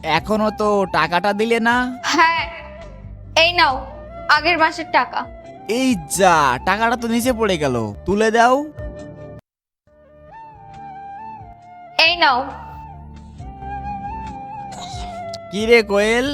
এখনো তো টাকাটা দিলে না। হ্যাঁ, এই নাও আগের মাসের টাকা। এই যা, টাকাটা তো নিচে পড়ে গেল, তুলে দাও। এই নাও। কি রে কোয়েল?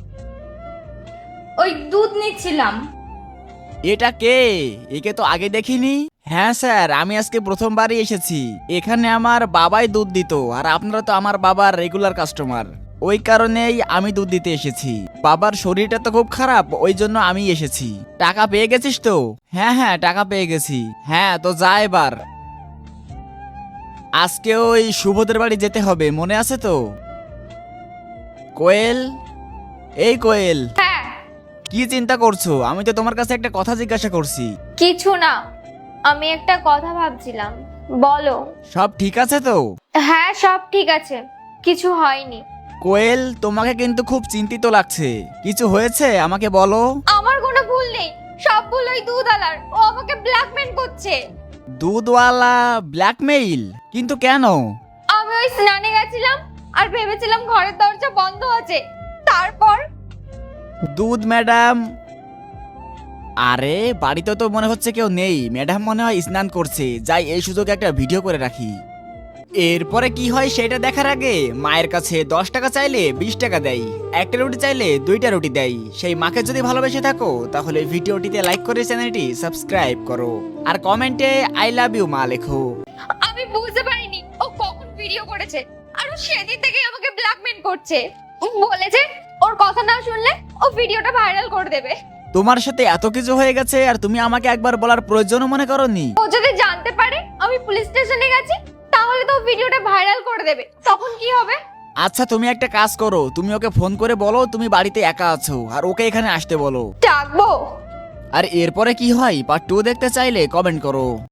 ওই দুধ নিচ্ছিলাম। এটা কে? একে তো আগে দেখিনি। হ্যাঁ স্যার, আমি আজকে প্রথমবারই এসেছি। এখানে আমার বাবাই দুধ দিত, আর আপনারা তো আমার বাবার রেগুলার কাস্টমার। ওই কারণেই আমি দুধ দিতে এসেছি। বাবার শরীরটা তো খুব খারাপ, ওই জন্য আমি এসেছি। টাকা পেয়ে গেছিস তো? হ্যাঁ হ্যাঁ, টাকা পেয়ে গেছি। হ্যাঁ, তো যা এবার। আজকে ওই শুভদের বাড়ি যেতে হবে, মনে আছে তো? কোয়েল, এই কোয়েল, হ্যাঁ। কি চিন্তা করছো? আমি তো তোমার কাছে একটা কথা জিজ্ঞাসা করছি। কিছু না, আমি একটা কথা ভাবছিলাম। বলো। সব ঠিক আছে তো? হ্যাঁ, সব ঠিক আছে, কিছু হয়নি। কোয়েল, তোমাকে কিন্তু খুব চিন্তিত লাগছে। কিছু হয়েছে আমাকে বলো। আমার কোনো ভুল নেই, সব ভুল ওই দুধওয়ালার। ও আমাকে ব্ল্যাকমেল করছে। দুধওয়ালা ব্ল্যাকমেইল? কিন্তু কেন? আমি ওই স্নানে গেছিলাম আর ভেবেছিলাম ঘরের দরজা বন্ধ আছে। তারপর দুধ ম্যাডাম? আরে, বাড়িতে তো মনে হচ্ছে কেউ নেই। ম্যাডাম মনে হয় স্নান করছে। যাই, এই সুযোগে একটা ভিডিও করে রাখি। এরপরে কি হয় সেটা দেখার আগে মায়ের কাছে 10 টাকা চাইলে 20 টাকা দেয়, একটা রুটি চাইলে 2টা রুটি দেয়। সেই মাকে যদি ভালোবেসে থাকো তাহলে ভিডিওটিতে লাইক করে চ্যানেলটি সাবস্ক্রাইব করো, আর কমেন্টে আই লাভ ইউ মা লেখো। আমি বুঝতে পারিনি ও কখন ভিডিও করেছে, আর ও সেদিন থেকেই আমাকে ব্ল্যাকমেল করছে। ও বলেছে ওর কথা না শুনলে ও ভিডিওটা ভাইরাল করে দেবে। তোমার সাথে এত কিছু হয়ে গেছে আর তুমি আমাকে একবার বলার প্রয়োজনও মনে করোনি? ও যদি জানতে পারে আমি পুলিশ স্টেশনে গেছি, তাহলে তো ও ভিডিওটা ভাইরাল করে দেবে। তখন কি হবে? আচ্ছা, তুমি একটা কাজ করো, তুমি ওকে ফোন করে বলো তুমি বাড়িতে একা আছো, আর ওকে এখানে আসতে বলো। ডাকবো? আর এরপরে কি হয় পার্ট 2 দেখতে চাইলে কমেন্ট করো।